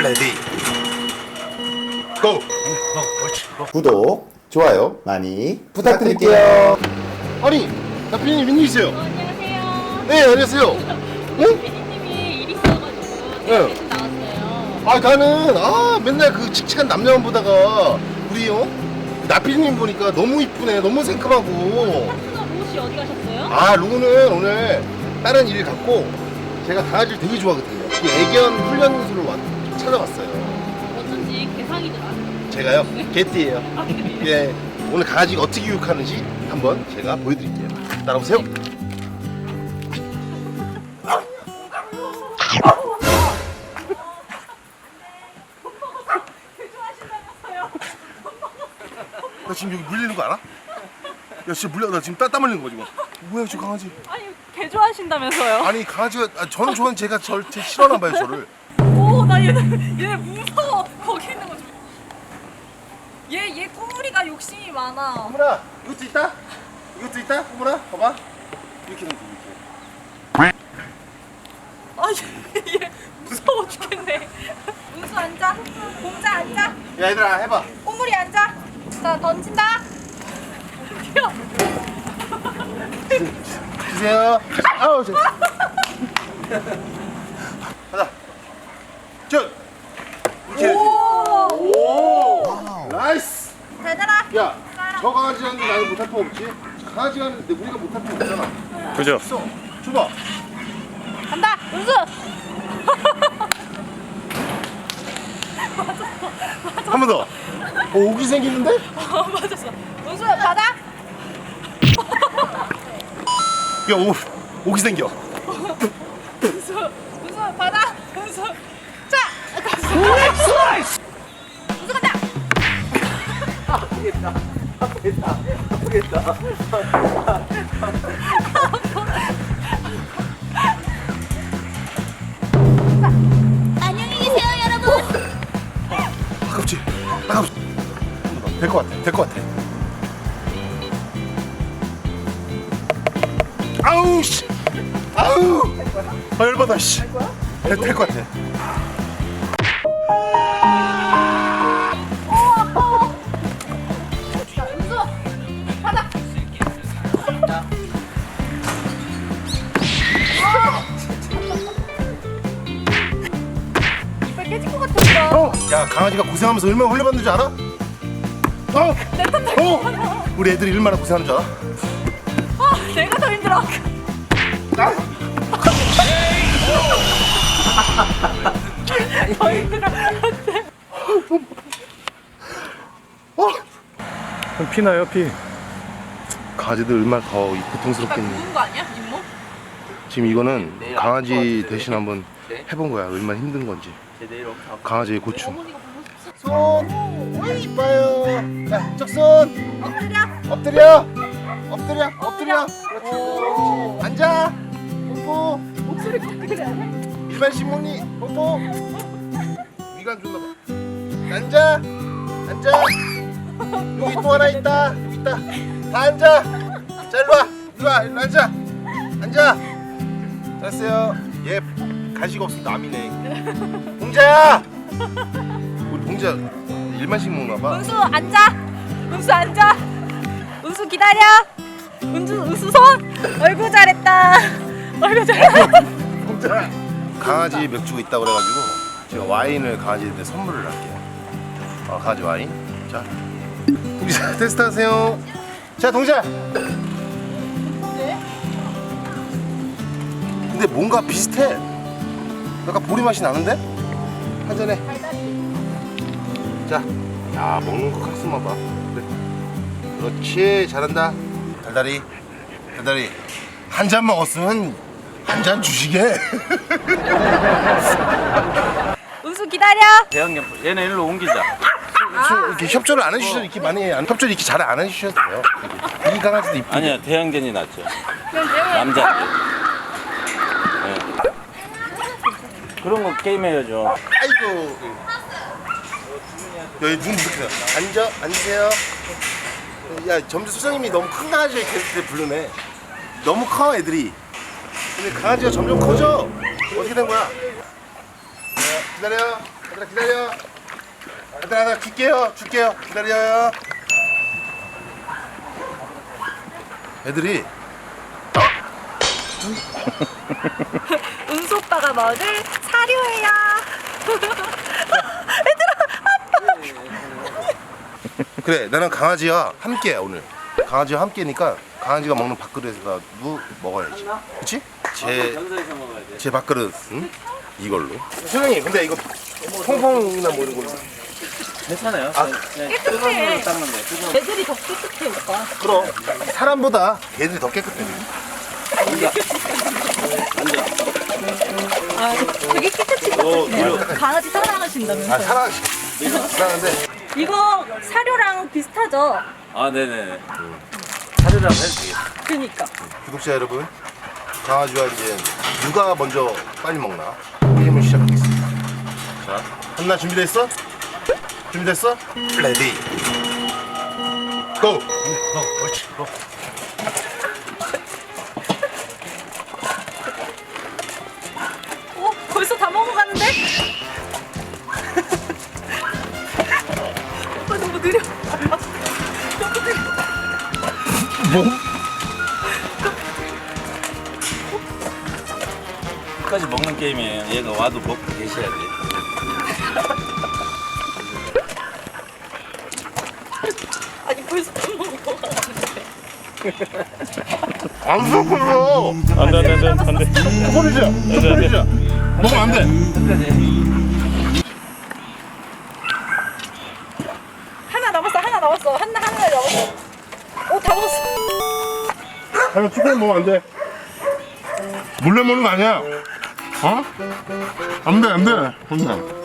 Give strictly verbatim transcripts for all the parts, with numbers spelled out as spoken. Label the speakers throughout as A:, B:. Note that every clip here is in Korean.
A: 레디 고!
B: 구독, 좋아요 많이 부탁드릴게요.
A: 아니 나피디님 웬일이세요?
C: 안녕하세요.
A: 네 안녕하세요. 응?
C: 피디님이 일 있어가지고
A: 네.
C: 대신 나왔어요.
A: 아 나는 아 맨날 그 칙칙한 남자만 보다가 우리 어? 나피디님 보니까 너무 이쁘네. 너무 생큼하고.
C: 파트너 로우씨 어디 가셨어요?
A: 아 루는 오늘 다른 일을 갖고 제가 강아지를 되게 좋아하거든요. 그 애견 훈련소를 왔, 찾아왔어요.
C: 어쩐지 개상이더라.
A: 제가요? 개띠예요.
C: 아, 그래요?
A: 예, 오늘 강아지가 어떻게 교육하는지 한번 제가 보여드릴게요. 따라오세요. 나 지금 여기 물리는 거 알아? 야 진짜 물려. 나 지금 땀, 땀 흘리는 거 지금. 뭐야 저 강아지.
C: 아니 개 좋아하신다면서요?
A: 아니 강아지가 아, 저는 좋아하는 제가 절 제 싫어하나 봐요 저를.
C: 오나 얘네 얘네 무서워. 거기 있는 거 좀. 얘얘 꾸물이가 욕심이 많아.
A: 꾸물아 이것도 있다? 이것도 있다? 꾸물아 봐봐. 이렇게 넣으면 돼 이렇게.
C: 아얘 무서워 죽겠네. 운수 앉아. 공자 앉아.
A: 야 얘들아 해봐.
C: 꾸물이 앉아. 자 던진다. 뛰어.
A: 주세요. 아우 저. 가자. 쭉. 이렇게. 오. 나이스.
C: 대단하.
A: 야, 저 강아지 하는데 나는 못할 거 없지? 강아지 하는데 우리가 못할 거 없잖아.
D: 그죠?
A: 있어. 줘봐.
C: 간다. 운수.
A: 한 번 더. 어, 오기 생기는데?
C: 어, 맞았어. 운수 받아.
A: 야, 오, 오기 생겨.
C: 운수 운수 받아. 운수. 자. 갔어. 운수 간다.
B: 아프겠다, 아프겠다, 아프겠다.
C: 안녕히 계세요, 여러분.
A: 아깝지? 아깝지? 될 것 같아. 될 것 같아. 아우 씨. 아우. 아 열받아 씨. 될 것 같아.
C: 자, 운수 받아. 이빨 깨질 것 같았어.
A: 어? 야 강아지가 고생하면서 얼마나 훈련받는 줄 알아? 어? 어? 우리 애들이 얼마나 고생하는 줄 알아?
C: 아, 내가 더 힘들어.
A: 아?
C: 더 힘들어.
A: 어?
D: 그럼 피나요 피?
A: 강아지들 얼마나 더 고통스럽겠니?
C: 부은 거 아니야, 잇몸?
A: 지금 이거는 강아지 대신 한번 해본 거야. 얼마나 힘든 건지. 강아지의 고충.
C: 어머니가 보고 싶어.
A: 손 오이 이뻐요. 자, 쪽손
C: 엎드려.
A: 엎드려. 엎드려. 엎드려. 그렇지. 앉아. 뽀뽀.
C: 목소리가 그래.
A: 일반 신문이 뽀뽀. 위관 줬나 봐. 앉아. 앉아. 여기 또 하나 있다. 여기 있다. 다 앉아. 자, 일로 와. 일로 와. 일로 앉아. 앉아. 잘했어요. 얘 간식 없으면 남이네. 봉자야. 우리 봉자 일만씩 먹나 봐.
C: 운수 앉아. 운수 앉아. 운수 기다려. 운수 운수 손. 얼굴 잘했다. 얼굴 잘했다.
A: 봉자. 강아지 맥주가 있다고 그래가지고 제가 와인을 강아지한테 선물을 할게요. 어, 강아지 와인. 자, 동자 테스트하세요. 자, 동자. 근데 뭔가 비슷해. 약간 보리 맛이 나는데? 한 잔에. 자, 야 먹는 거 각성만 봐. 그래. 그렇지, 잘한다. 달달이, 달달이. 한 잔 먹었으면 한 잔 주시게.
C: 운수 기다려.
D: 대형견 얘네 일로 옮기자.
A: 이렇게 협조를 안 해주셔도 이렇게 많이 안, 협조를 이렇게 잘 안 해주셔도 돼요. 이 강아지도 이쁘게.
D: 아니야 대형견이 낫죠. 남자. 네. 그런 거 게임해야죠.
A: 아이고. 여기 눈 이렇게 앉아 앉으세요. 야 점주 소장님이 너무 큰 강아지를 계속 부르네. 너무 커 애들이. 근데 강아지가 점점 커져. 어떻게 된 거야? 자, 기다려. 얘들아 기다려. 얘들아 나 줄게요. 줄게요. 기다려요. 애들이
C: 은수 오빠가 먹을 사료예요.
A: 그래 나는 강아지와 함께야 오늘. 강아지와 함께니까 강아지가 먹는 밥그릇에서도 먹어야지. 그치? 제,
D: 전소에서 먹어야 돼.
A: 제 밥그릇 응? 이걸로. 소영이 근데 이거 퐁퐁이나 뭐 이런 걸로.
D: 괜찮아요.
A: 아,
D: 그냥 뜨거운 물로 닦는 거예요. 뜨거운
C: 애들이 더 깨끗해 오빠.
A: 그럼 사람보다 개들이 더 깨끗해.
C: 아 되게 깨끗이 닦으시네요. 강아지 사랑하신다면서요.
A: 아 사랑 사랑한데
C: 이거 사료랑 비슷하죠?
D: 아, 네네. 사료라고 해도 되겠다.
C: 그니까.
A: 구독자 여러분 강아지와 이제 누가 먼저 빨리 먹나 게임을 시작하겠습니다. 자 한나 준비됐어? 준비됐어? 레디 고! 어, 옳지 고.
C: 어? 벌써 다 먹어가는데? 오빠 너무 느려. 너무 느려.
A: 뭐?
D: 끝까지 먹는 게임이에요. 얘가 와도 먹고 계셔야 돼.
C: 아니 벌써 다 먹어가는데.
A: 안 섞어요.
D: 안 돼, 안 돼, 안 돼. 안 돼.
A: 소리지 소리지 먹으면 안 돼.
D: 끝까지.
C: 하나 남았어 하나 남았어 하나 하나 남았어. 오다 먹었어.
A: 아니 초콜릿 먹으면 안 돼. 몰래 먹는 거 아니야. 어? 안 돼, 안 돼. 안 돼.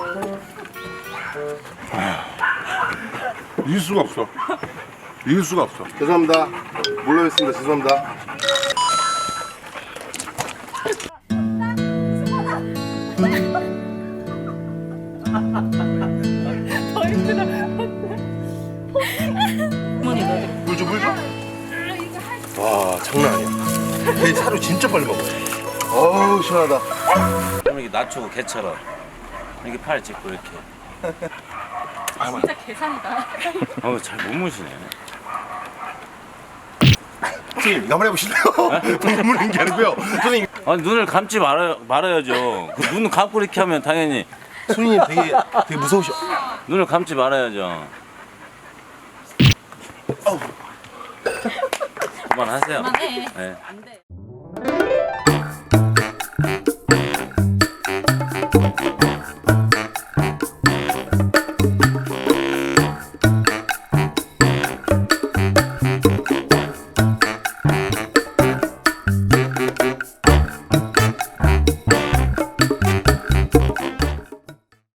A: 이길 수가 없어. 이길 수가 없어. 죄송합니다. 몰래 했습니다. 죄송합니다.
C: 더 힘들어. 어머니 너.
A: 물 줘, 물 줘. 와, 장난 아니야. 걔 사료 진짜 빨리 먹어. 어우, 시원하다.
D: 그럼 이렇게 낮추고 개처럼. 이렇게 팔 짚고 이렇게.
C: 진짜 계산이다.
D: 어우, 잘 못 무시네.
A: 선생님, 나만 해보실래요? 눈물인 게 아니고요. 선생님,
D: 아니, 눈을 감지 말아, 말아야죠. 그 눈 감고 이렇게 하면 당연히
A: 선생님 되게, 되게 무서우셔.
D: 눈을 감지 말아야죠. 그만하세요.
C: 그만해.
D: 네.
C: 안 돼.